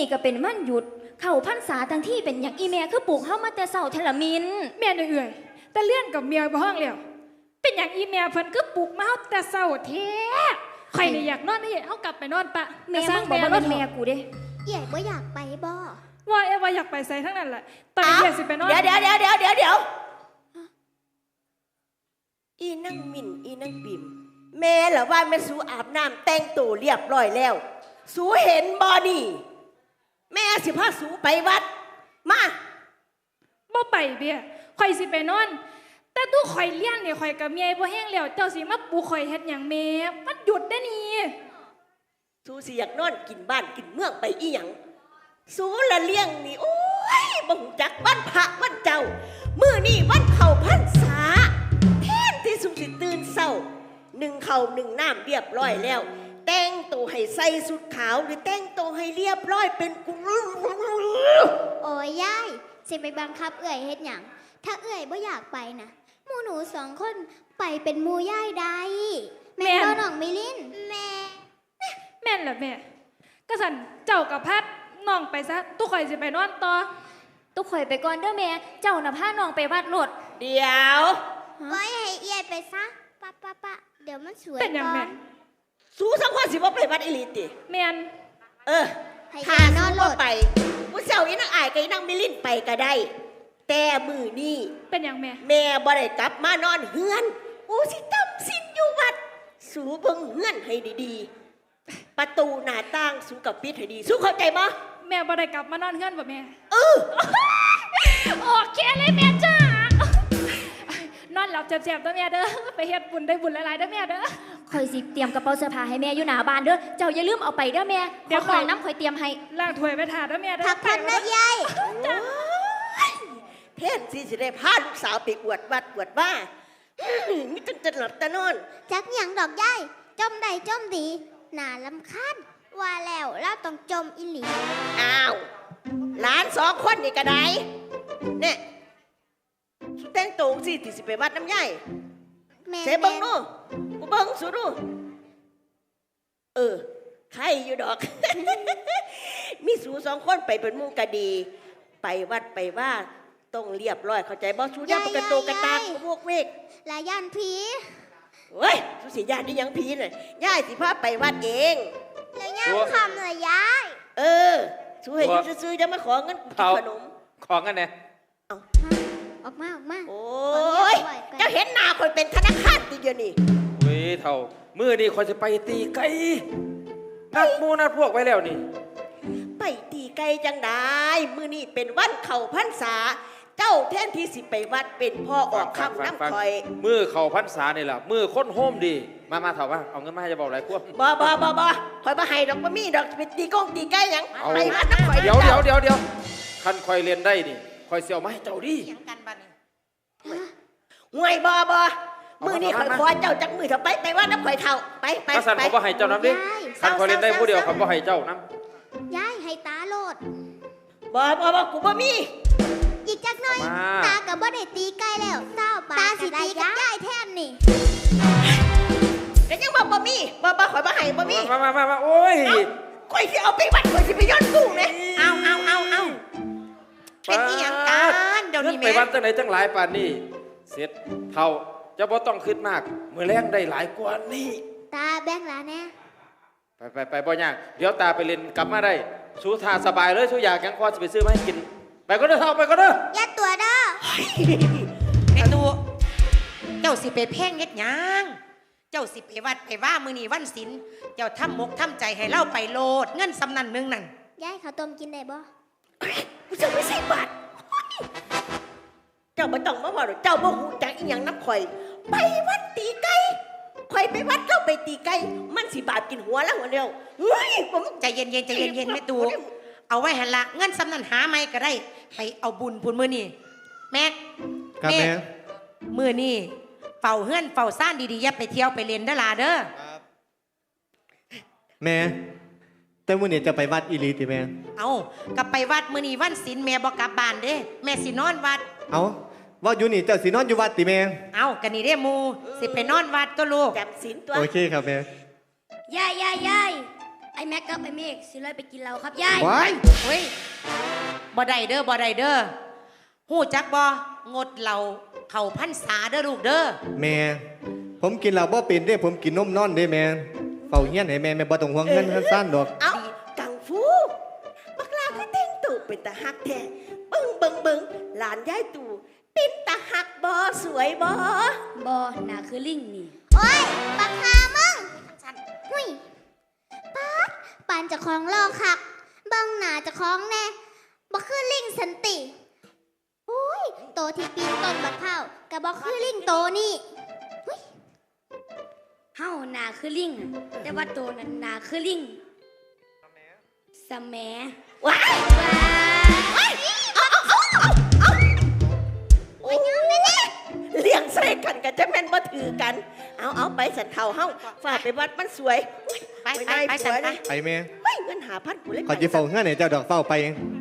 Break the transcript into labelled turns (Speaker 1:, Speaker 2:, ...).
Speaker 1: ก็เป็นวันหยุดเข้าพรรษาทั้งที่เป็นอย่างอีแม่คือปลูกเฮามาแต่เช้าเทละมิน
Speaker 2: แม่เอื่อยแต่เลื่อนกับเมียบ่ห้องแล้วเป็นอย่างอีแม่เพิ่นคือปลูกมาเฮาแต่เช้าแท้ใครนี่อยากนอนนี่เฮากลับไปนอนปะ
Speaker 1: แม่มึงบอกว่าเป็นแม่กูเด้
Speaker 3: ใหญ่บ่อยากไปบ่
Speaker 2: ว่าอยากไปใส่ทั้งนั้นแหละตอนนี้อยากสิไปนอน
Speaker 4: เดี๋ยวอีนั่งมินอีนั่งปิ่มแม่เหรอว่าแม่สูอาบน้ำแต่งตัวเรียบร้อยแล้วสูเห็นบอนี่แม่สิพาสูไปวัดมา
Speaker 2: บ่ไปเบี้ยข่อยสิไปนอนแต่ตู้ข่อยเลี้ยงเนี่ยข่อยกับเมียบ่แห้งแล้วเจ้าสิมาปลุกข่อยเฮ็ดหยังแม่มันหยุดได้นี่
Speaker 4: สูสิอยากนอนกินบ้านกินเมืองไปอีหยังสูละเลี้ยงนี่โอ้ยบ่ฮู้จักวันพระวันเจ้ามื้อนี้วันเข้าพรรษาแทนที่สูสิตื่นเช้านึ่งข้าวนึ่งน้ำเรียบร้อยแล้วแต่งตัวให้ใส่สุดขาวหรือแต่งตัวให้เรียบร้อยเป็นกุ
Speaker 3: โอ้ยยายสิไปบังคับเอื่อยเฮ็ดหยังถ้าเอื่อยบ่อยากไปนะหมู่หนู2คนไปเป็นหมู่ยายได้แม่บ่น้องมิลินแ
Speaker 2: ม่นล่ะแม่ก็สั่นเจ้ากับพัดน้องไปซะตู้ข่อยสิไปนอนต่อ
Speaker 1: ตุ๊กข่อยไปก่อนเด้อแม่เจ้าน่ะพาน้องไปวัดโลด
Speaker 4: เดี๋ยว
Speaker 3: บ่ให้เอียดไปซะปะเดี๋ยวมันสวย
Speaker 2: เป็นหยังแม่
Speaker 4: สู้สังคนสิว่าไปวัดอิลิติ
Speaker 2: แม่น
Speaker 4: ถ้านอนโลดไปผู้เจ้าอีนังอายกับอีนังมิลินไปก็ได้แต่มือนี่
Speaker 2: เป็นหยัง
Speaker 4: แม่บ่ได้กลับมานอนเฮือนอู้สิตำสินอยู่วัดสูเบิ่งเฮือนให้ดีๆประตูหน้าต่างสูกับปิดให้ดีสู้เข้าใจบ่
Speaker 2: แม่บ่ได้กลับมานอนเฮือนบ่แม่
Speaker 1: โอเคเลยแม่จ้
Speaker 2: านอนหลับแซ่บๆตัวแม่เด้อไปเฮ็ดบุญได้บุญหลายๆเด้อแม่เด้อ
Speaker 1: ข่อยสิเตรียมกระเป๋าเสื้อผ้าให้แม่อยู่หน้าบ้านเด้อเจ้าอย่าลืมเอาไปเด้อแม่เดี๋ยวของน้ำข่อยเตรียมให้
Speaker 2: ล้างถ้วยไปถาเด้อแม่เด้อ
Speaker 3: พักนะยาย
Speaker 4: เทศสิได้พาลูกสาวไปอวดวัดอวดว่ามิจนจะหลับตานอน
Speaker 3: จักหยังดอกยายจมใดจมดีน่าลำคาญว่าแล้วเราต้องจมอีหลี
Speaker 4: อ้าวหลาน2คนนี่ก็ได้เนี่ยสุดแต่งตัวสิที่สิไปวัดน้ำใหญ่เสบังดูกูเบังสุดดูใครอยู่ดอก มีสู2คนไปเป็นมู่กะดีไปวัดไปว่าต้องเรียบร้อยเข้าใจบ่สูย่าปกติกระตากพวกเวก
Speaker 3: ลาย่านผี
Speaker 4: เฮ้ยสูสิญาติยังผีน่ะย่ายสิพาไปวัดเอง
Speaker 3: แล้วย่าคำเลยยาย
Speaker 4: สูให้อยู่ซื่อๆจะมาขอเงินขนม
Speaker 5: ขอเงินไง
Speaker 3: ออกมา
Speaker 4: โอ้ยเจ้าเห็นหน้าคนเป็นธนาคารตีเดียวนี่
Speaker 5: เว้ยเท่ามื้อนี้คนจะไปตีไก่นัดมูนัดพวกไว้แล้วนี่
Speaker 4: ไปตีไก่จังได้มื้อนี้เป็นวันเข้าพรรษาเจ้าแทนที่สิไปวัดเป็นพ่อออกคำน้ำคอย
Speaker 5: มื้อเข้าพรรษานี่ล่ะมื้อคนโฮมดีมาเท่าว่าเอาเงินมาให้จะบอกอะไรพวก
Speaker 4: บ่คอยมาให้ดอกบ่มีดอกไปตีกงตีไก่ยังไปวัดน้ำคอย
Speaker 5: เดี๋ยวคันคอยเรียนได้นี่คอยเสี่ยวมาให้เจ้าดิ
Speaker 4: ห่วยบ่มือนี่คอยขอเจ้าจักมือเถอะไปว่าน้ำข่อยเท่าไป
Speaker 5: ถ้าสั่นเขาบ่ให้เจ้าน้ำดิสั่นคอยเล่นได้ผู้เดียวเขาบ่ให้เจ้าน้
Speaker 3: ำย้ายให้ตาโลด
Speaker 4: บ่กูบ่มี
Speaker 3: อีกจักหน่อยตากับบ่ได้ตีใกล้แล้วเจ้าตาสิตีกับย้ายแทนนี่
Speaker 4: แต่ยังบ่มีบ่ข่อยบ่ให้บ่มี
Speaker 5: มาโอ้ย
Speaker 4: ข่อยสิเอาไปวัดข่อยสิไปย้อนกุ้งเลยเอา
Speaker 5: เป็นอีหยังกันเดี๋ยวนี้แม่ไปวัดจังไหนจังหลายป่านนี้เสร็จเท่าจะบ่ต้องคิดมากมื้อแรงได้หลายกว่านี้
Speaker 3: ตาแบ่งหลานแน่
Speaker 5: ไปบ่ยากเดี๋ยวตาไปเล่นกลับมาได้สู้ท่าสบายเลยสู้อยากยังพอสิไปซื้อมาให้กินไปก็เด้อเท่าไปก็เด้อ
Speaker 3: ยัดตัวเด้อ
Speaker 6: ไอ้ตัวเจ้าสิไปเพ่งเฮ็ดหยังเจ้าสิไปวัดไปว่ามื้อนี้วันศีลเจ้าทำมกทำใจให้เล่าไปโลดเงินสำนันนึงนั่น
Speaker 3: ยายข้าวต้มกินได้บ่
Speaker 4: กูจะไม่ใส่บาตรเจ้าไม่ต้องมาว่าเจ้าบ่ฮู้จักอีหยังน้ำข่อยไปวัดตีไก่ข่อยไปวัดเจ้าไปตีไก่มันสิบาปกินหัวแล้วหัวเดียวเฮ้ยผม
Speaker 6: ใจเย็นไม่ตูเอาไว้หันละเงินสำนันหาไม่ก็ได้ไปเอาบุญพุ่นมื้อนี้แม่มื้อนี้เฝ้าเฮือนเฝ้าซ่านดีๆอย่าไปเที่ยวไปเล่นเด้อล่ะเด้อ
Speaker 7: แม่แต่มื้อนี้จะไปวัดอีหลีติแม่
Speaker 6: เอากลับไปวัดมื้อนี้วันศีลแม่บ่กลับบ้านเด้แม่สินอนวัด
Speaker 7: เอาว่าอยู่นี่เจ้าสินอนอยู่วัดติแม่
Speaker 6: เอากันนี่เด้หมู่สิไปนอนวัดตัวลูก
Speaker 4: จำศีลตัว
Speaker 7: โอเคครับแม่
Speaker 3: ยาย
Speaker 1: ไอ้แม็กกับไอ้เมฆสิเลยไปกินเหล้าครับยาย
Speaker 7: ว้าย
Speaker 6: เฮ้ยบ่ได้เด้อบ่ได้เด้อฮู้จักบ่งดเหล้าเข้าพรรษาเด้อลูกเด้อ
Speaker 7: แม่ผมกินเหล้าบ่เป็นเด้ผมกินนมนอนเด้แม่เฝ้าเฮียนให้แม่บ่ต้องห่วงเงินสั้นดอก
Speaker 4: เอากังฟูบักลาคือแต่งตู่เป็นตาฮักแท้เบิ่งหลานยายตู่เป็นตาฮักบ่สวยบ่
Speaker 1: บอน่าคือลิงนี่
Speaker 3: โอ้ยปักหามึงหุยป๊าดปานจะคล้องลอกคักเบิ่งหน้าจะคล้องแน่บ่คือลิงสันติโอ้ยโตที่ปีนต้นบักเผาวก็บ่คือลิงโตนี่
Speaker 1: เฮาน่าคือลิงอะแต่ว่าตัวนั้นน่าคือลิงสแหม
Speaker 4: ว้าย
Speaker 1: ว้า
Speaker 4: โอ้ยเลี้ยงใส่กันก็จะแม่นบ่ถือกัน เอาไปสันเฒ่าเฮาฝากไปวัดมันสวย
Speaker 6: ไป
Speaker 4: ได้
Speaker 6: ไป
Speaker 4: ผัว
Speaker 6: ไป
Speaker 4: เลย
Speaker 7: ไปแม่
Speaker 4: ไม่เงินหาพันกูเลย
Speaker 7: ขอสิเฝ้าเฮือนให้เจ้าดอกเฝ้าไป
Speaker 4: ม